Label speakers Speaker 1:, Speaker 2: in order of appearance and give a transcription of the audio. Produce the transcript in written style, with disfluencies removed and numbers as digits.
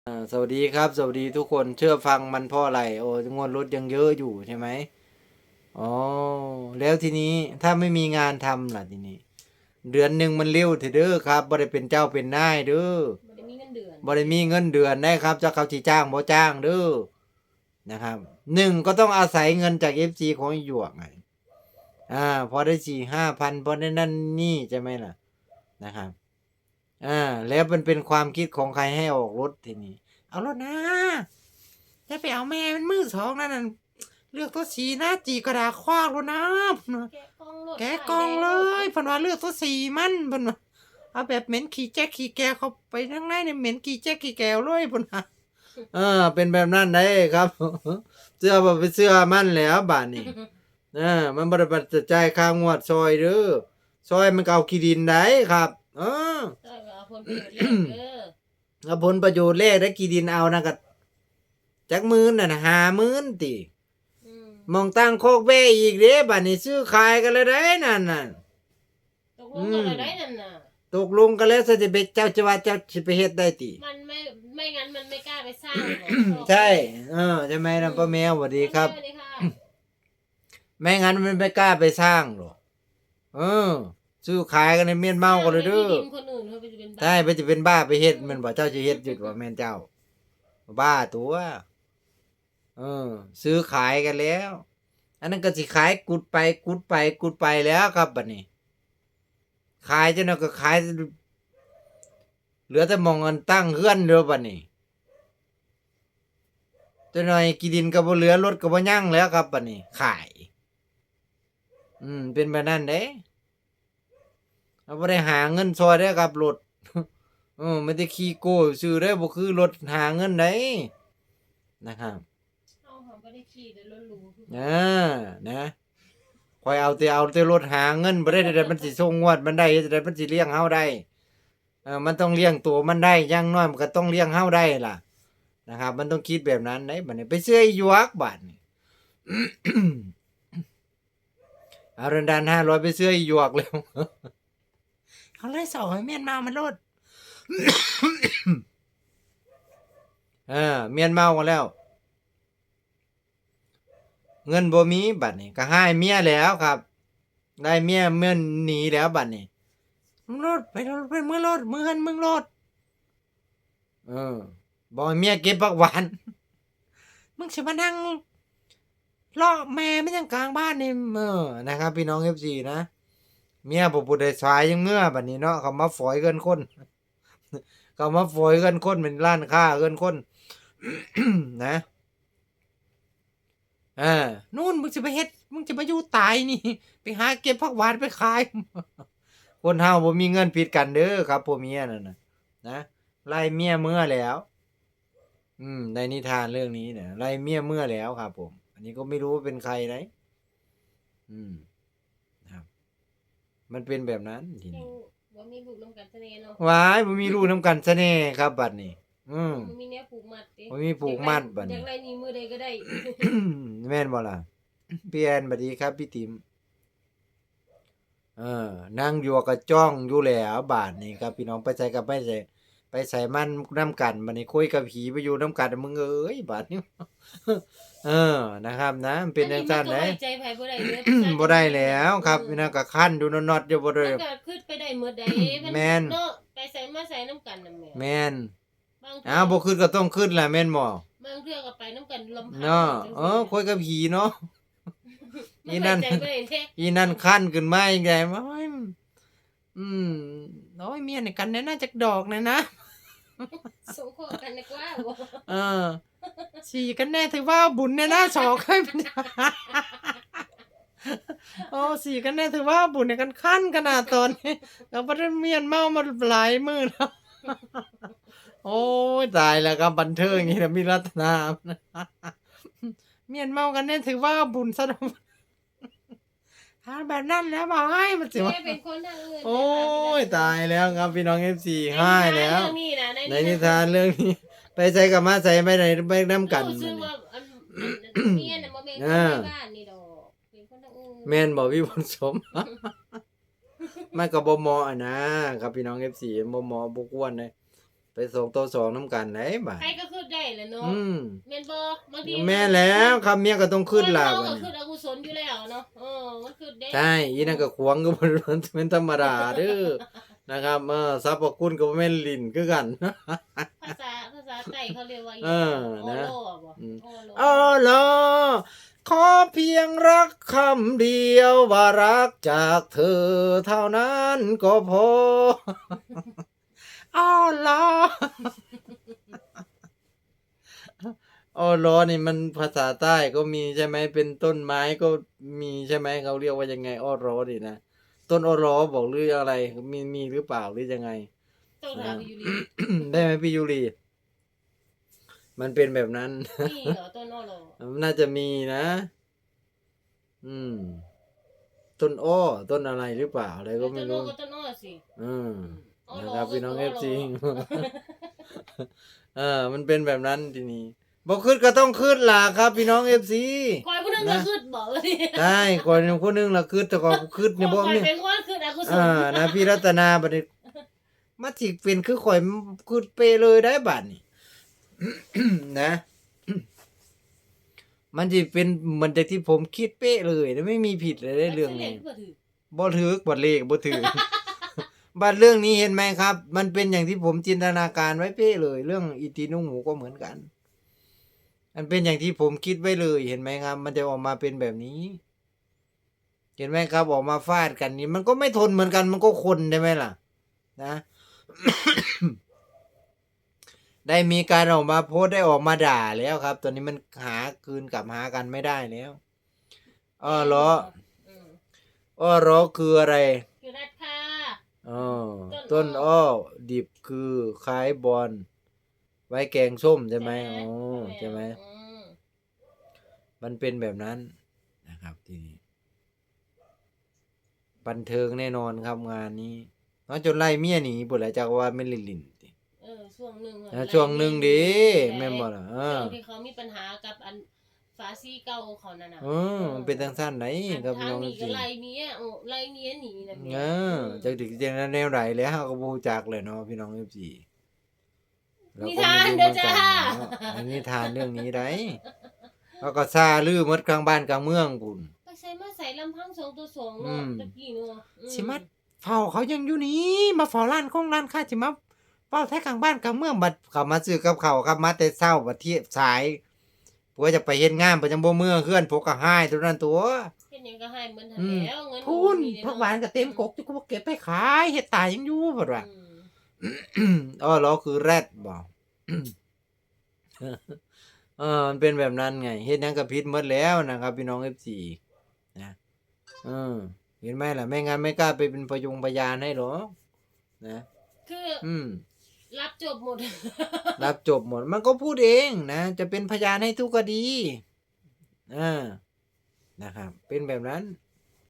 Speaker 1: สวัสดีครับสวัสดีทุกคนเชื่อฟังมันเพราะอะไรโอ้งวดรถยังเยอะอยู่ใช่ไหมอ๋อแล้วทีนี้ถ้าไม่มีงานทำล่ะทีนี้เดือนหนึ่งมันเร็วเถอะเด้อครับบ่ได้เป็นเจ้าเป็นนายเด้อ
Speaker 2: บ่ได้มีเงินเดือน
Speaker 1: บ่ได้มีเงินเดือนได้ครับจะเขาจีจ้างบ่จ้างเด้อนะครับหนึ่งก็ต้องอาศัยเงินจากFCของหยวกไงพอได้4-5 พันพอได้นั่นนี่ใช่ไหมล่ะนะครับแล้วมันเป็นความคิดของใครให้ออกรถทีนี้เอารถนะ อย่าไปเอาแม่มันมือสองนั่นน่ะเลือกตัวสีนะจีกระดาษคว้างแล้วนะ
Speaker 2: แกะกล่องรถ
Speaker 1: แกะ
Speaker 2: ป้าย
Speaker 1: กล่องเล
Speaker 2: แดงรถ
Speaker 1: ยเพิ่นว่าเลือกตัวสีมันเพิ่นว่าเอาแบบเหม็นขี้แจ๊กขี้แกเข้าไปข้างในเนี่ยเหม็นขี้แจ๊กขี้แกวเลยเพิ่นว่าเป็นแบบนั้นได้ครับเสื้อบ่ไปเสื้อมันแล้วบาดนี้มันบ่ได้ปัจจัยค่างวดซอยเด้อซอยมันก็เอาขี้ดินได้ครับ
Speaker 2: ได้เอาผลประโยชน์แลกเด้อ
Speaker 1: เอาผลประโยชน์แลกได้ขี้ดินเอานั่นก็จักหมื่นน่ะ50,000ติ
Speaker 2: อืม
Speaker 1: มองตั้งโคกเบ้อีกเด้บัดนี้ซื้อขายกันเลยได้นั่นน่ะ
Speaker 2: ตกลงกันแล้วได้นั่นน่ะ
Speaker 1: ตกลงกันแล้วสิไปเจ้าจะว่าเจ้าสิไปเฮ็ดได้ติ
Speaker 2: มันไม่งั้นมันไม่กล้าไปสร้างหรอก
Speaker 1: ใช่ใช่ไหมนะป้าแมวสวัสดีครับ
Speaker 2: สวัสดีค่ะ
Speaker 1: ไม่งั้นมันไม่กล้าไปสร้างหรอกเออซื้อขายกันในเมียนเมากันเลยเด้อ
Speaker 2: ที่ดินคนอื่นเขาไปจะเป็นบ้า
Speaker 1: ใช่ไปจะเป็นบ้าไปเฮ็ดมันบ่เจ้าจะเฮ็ดอยู่ว่าแม่นเจ้าบ้าตัวเออซื้อขายกันแล้ว อันนั้นก็สิขายกุดไปกุดไปกุดไปแล้วครับบัดนี้ ขายจนนั้นก็ขายเหลือแต่มองเงินตั้งเฮือนเด้อบัดนี้จักหน่อยกี่ดินก็บ่เหลือรถก็บ่ยังแล้วครับบัดนี้ขายเป็นแบบนั้นเด้เราบ่ได้หาเงินซอยเด้อครับรถไม่ได้ขี้โก้ซื้อได้บ่คือรถหาเงินได้นะครับ
Speaker 2: เอาหอมบ่ได้ขี่แต่รถหรูคือ
Speaker 1: นะคอยเอาแต่รถหาเงินบ่ได้แต่มันสิส่งงวดมันได้แต่มันสิเลี้ยงเฮาได้มันต้องเลี้ยงตัวมันได้อย่างน้อยมันก็ต้องเลี้ยงเฮาได้ล่ะนะครับมันต้องคิดแบบนั้นได้บัดนี้ไปซื้อไอ้หยวกบาดนี้เอาเรนดาน500ไปซื้อไอ้หยวกแล้วเอาเลยสอยเมียนมามันโลดเมียนเมากันแล้วเงินบ่มีบัดนี้ก็ให้เมียแล้วครับได้เมียหนีแล้วบัดนี้มึงโลดไปโลดไปมึงโลดมึงเงินมึงโลดเออบอกให้เมียเก็บผักหวานมึงสิมานั่งล่อแม่ไม่ยังกลางบ้านนี่นะครับพี่น้อง FC นะเมียบ่ผู้ใดสายยังเมื่อบัดนี้เนาะเขามาฝอยเกินคนเขามาฝอยเกินคนเป็นร้านค้าเกินคนนะนู่นมึงจะไปเฮ็ดมึงจะมาอยู่ตายนี่ไปหาเก็บผักหวานไปขายคนเฮาบ่มีเงินผิดกันเด้อครับผัวเมียนั่นน่ะนะไล่เมียเมื่อแล้วในนิทานเรื่องนี้เนี่ยไล่เมียเมื่อแล้วครับผมอันนี้ก็ไม่รู้ว่าเป็นใครนะอืมครับมันเป็นแบบนั้นทีนี้
Speaker 2: บ่มีลูกน้ำกันซะแน่เนาะ
Speaker 1: ว้ายบ่มีลูกนำกันซะแน่ครับบัดนี้
Speaker 2: บ่มีแนวผูกมัดติ
Speaker 1: บ่มีผูกมัดบัดนี้
Speaker 2: อยากไล่หนีมือใดก็ได้
Speaker 1: แม่นบ่ล่ะพี่แอนสวัสดีครับพี่ติ๋มนั่งอยู่ก็จ้องอยู่แล้วบาดนี้ครับพี่น้องไปใส่กับไปใส่ไปใส่มันน้ำกันบัดนี้คุยกับผีไปอยู่น้ำกันมึงเอ้ยบาดนี้เออนะครับนะมันเป็นจังซั่นเด้
Speaker 2: อัมัก็ไว้ใจไผบ่ได้เด้อ
Speaker 1: บ่ได้แล้วครับพี่น้องก็คั่นอยู่น็อตๆอยู่บ่ได้
Speaker 2: มันก็ขึ้นไปได้หมดใดมัน
Speaker 1: แม่น
Speaker 2: เนาะไปใส่มาใส่น้ำกันน่ะแม่
Speaker 1: แม่น
Speaker 2: บางเทื่
Speaker 1: อ้าวบ่ขึ้นก็ต้องขึ้นแหละแม่นบ่
Speaker 2: บางเทื่อก็ไปน้ำกันลำพัง
Speaker 1: เนาะ
Speaker 2: จังซี่
Speaker 1: คุยกับผีเนาะ
Speaker 2: มั
Speaker 1: อี
Speaker 2: น
Speaker 1: นั่
Speaker 2: ไว้
Speaker 1: น
Speaker 2: ใจบ่ได้แท้
Speaker 1: อีนั่นคั่นขึ้นมาอีกไงโอ้ยโอ้ยเมียนี่กันแน่นะจักดอกแน่นะ
Speaker 2: สงเคราะห์กันดีกว่าบ่
Speaker 1: เออสีกันแน่ถือว่าบุญแน่นะสอกให้มัน โอ้สีกันแน่ถือว่าบุญในกันคั่นขนาดตอนนี้แล้วบ่ได้เมียนเมามาหลายมื้อแล้ว โอ้ยตายแล้วครับบันเทิงอย่างนี้นะมีรัตนา เมียนเมากันแน่ถือว่าบุญซะแล้ว ถ้าแบบนั้นแล้วบอกให้มันสิว่า
Speaker 2: แม่เป็นคนทางอื่น
Speaker 1: โอ้ยตายแล้วครับพี่น้อง FC
Speaker 2: ใน
Speaker 1: ให้แล้ว
Speaker 2: เรื่องนี้นะ
Speaker 1: ในนิทานเรื่องนี้ ไปใส่กับมาใส่ไปไหนไปน้ำกัน
Speaker 2: รู้สึกว่าเมียน่ะบ่แม่นคนในบ้านนี่ดอกเป็นคนทางอื่น
Speaker 1: แม่นบอกพี่ผลสม มันก็บ่เหมาะอะนะครับพี่น้อง FC บ่เหมาะบ่ควรเลยไป2ต่อ2นำกันได้บาด
Speaker 2: ใครก็ขึ้นได้แหละเนาะ
Speaker 1: อืม
Speaker 2: แม่นบ่บางที
Speaker 1: แม่แล้วครับเมียก็ต้องขึ้นล่ะ
Speaker 2: ค
Speaker 1: บั
Speaker 2: ก็
Speaker 1: ด
Speaker 2: ขึ้
Speaker 1: นี้
Speaker 2: นอกุศลอยู่แล้วเนาะมันขึ้นได้
Speaker 1: ใช่อีนั่นก็ขวางก็บ่เป็นธรรมดาเด้อนะครับสรรพคุณก็บ่แม่นลิ้นคือกัน
Speaker 2: ภาษาไต้เขาเรียกว่าอี
Speaker 1: เออ
Speaker 2: โอ
Speaker 1: นะ
Speaker 2: โลบ่
Speaker 1: อืม
Speaker 2: โอโล
Speaker 1: อ๋อเหรอขอเพียงรักคำเดียวว่ารักจากเธอเท่านั้นก็พอ อ๋อเหรอ อ้อล้อนี่มันภาษาใต้ก็มีใช่ไหมเป็นต้นไม้ก็มีใช่ไหมเขาเรียกว่ายังไงอ้อล้อนี่นะต้นอ้อล้อบอกหรืออะไรมีหรือเปล่าหรือยังไง
Speaker 2: ต้องถามอยู่ดี
Speaker 1: ได้ไหมพี่ยูรีมันเป็นแบบนั้น
Speaker 2: นี่เหรอต้นโอโล
Speaker 1: น่าจะมีนะ อืม ต้นอ้อต้นอะไรหรือเปล่าอะไรก็ไม่
Speaker 2: ต้นโอ
Speaker 1: รู้
Speaker 2: ก็ต้นโอสิ
Speaker 1: อืม
Speaker 2: โอโล
Speaker 1: นะครับพี่น้อง
Speaker 2: ก็
Speaker 1: เอ
Speaker 2: โล
Speaker 1: ฟซี มันเป็นแบบนั้นทีนี้บอกขึ้นก็ต้องขึ้นล่ะครับ พี่น้องเอฟซี
Speaker 2: คอยผู้นึงก็ขึ้นบอกเลย
Speaker 1: ได้ก่อนคนหนึงล่ะขึ้นแต่ก่อนขึ้นเนี่ยบ่
Speaker 2: คอย
Speaker 1: เนี่ย
Speaker 2: เป็นคนขึ้นอกุศล
Speaker 1: นะพี่รัตนาบัดนี้มาสิเป็นคือข่อยขึ้นเปเลยได้บัดนี้ นะ มันสิเป็นเหมือนจากที่ผมคิดเป๊ะเลยนะไม่มีผิดเลยในเรื่องนี้ บ่ถือบ่เลขบ่ถือ บัดเรื่องนี้เห็นไหมครับ มันเป็นอย่างที่ผมจินตนาการไว้เป๊ะเลย เรื่องอีตีนุ่งหมูก็เหมือนกัน มันเป็นอย่างที่ผมคิดไว้เลยเห็นไหมครับ มันจะออกมาเป็นแบบนี้ เห็นไหมครับออกมาฟาดกันนี่มันก็ไม่ทนเหมือนกันมันก็คนได้ไหมล่ะ นะ ได้มีการออกมาโพสต์ได้ออกมาด่าแล้วครับ ตอนนี้มันหาคืนกลับหากันไม่ได้แล้วอ้อล้อ อ้อล้อคืออะไร
Speaker 2: คือรัดค่ะ
Speaker 1: อ๋อ
Speaker 2: ต้
Speaker 1: ต้
Speaker 2: น
Speaker 1: น
Speaker 2: อ้อ
Speaker 1: อ้อดิบคือคล้ายบอลไว้แกงส้มใช่ไหมอ๋อใช่ไหม
Speaker 2: อืม
Speaker 1: มันเป็นแบบนั้นนะครับทีนี้บันเทิงแน่นอนครับงานนี้น้องจนไล่เมียหนีปุ่นแหละจากว่าไม่นลินติ
Speaker 2: ช่วงหนึ่ง
Speaker 1: ช่วงหนึ่งดิแม่นบ่ล่ะ
Speaker 2: ช่วงที่เขามีปัญหากับอันฝาซี่เก่าเขานั่นน่ะ
Speaker 1: มันเป็นทางสั้นไหนครับพี่
Speaker 2: ทาง
Speaker 1: น้อง
Speaker 2: หนี
Speaker 1: จ
Speaker 2: ก็
Speaker 1: ริง
Speaker 2: ไล่เมียไล่เมียหนีนั่น
Speaker 1: จากถึงจังนั้นแนวไหนแล้วเราก็บ่รู้จักเลยเนาะพี่น้องFC
Speaker 2: นิทานเด้อจ้า
Speaker 1: อันนี้ทานเรื่องนี้ได้แล้วก็ซาลือหมดกลางบ้านกลางเมืองพุ่น
Speaker 2: ไปใส่มาใส่ลำพังสองตัวสอง
Speaker 1: อื
Speaker 2: เนาะ
Speaker 1: ม
Speaker 2: ตะกี้เนาะ
Speaker 1: สิมาเฝ้าเขายังอยู่นี่มาเฝ้าร้านของร้านค้าสิมาเฝ้าแท้กลางบ้านกลางเมืองบัดเขามาซื้อกับข้าวครับมาแต่เช้าบัดเที่ยงสายผัวจะไปเฮ็ดงานประจำบ่เมืองเฮือนพวกก็หายตัวนั้นตัว
Speaker 2: เป็นหยังก็ให้เหมือนทัน
Speaker 1: อืม
Speaker 2: แล้วเงิน
Speaker 1: พูนผักหวานก็เต็มกกที่กูบ่เก็บไปขายเฮ็ดตายยังอยู่บัดว่า อ้อล้อคือแรดบ่ มันเป็นแบบนั้นไงเฮ็ดหยังก็ผิดหมดแล้วนะครับ พี่น้อง FC นะเห็นไหมล่ะไม่งั้นไม่กล้าไปเป็นพยานให้หรอกนะ
Speaker 2: คือ
Speaker 1: อืม
Speaker 2: รับจบหมด
Speaker 1: รับจบหมดมันก็พูดเองนะ จะเป็นพยานให้ทุกคดีนะครับ เป็นแบบนั้น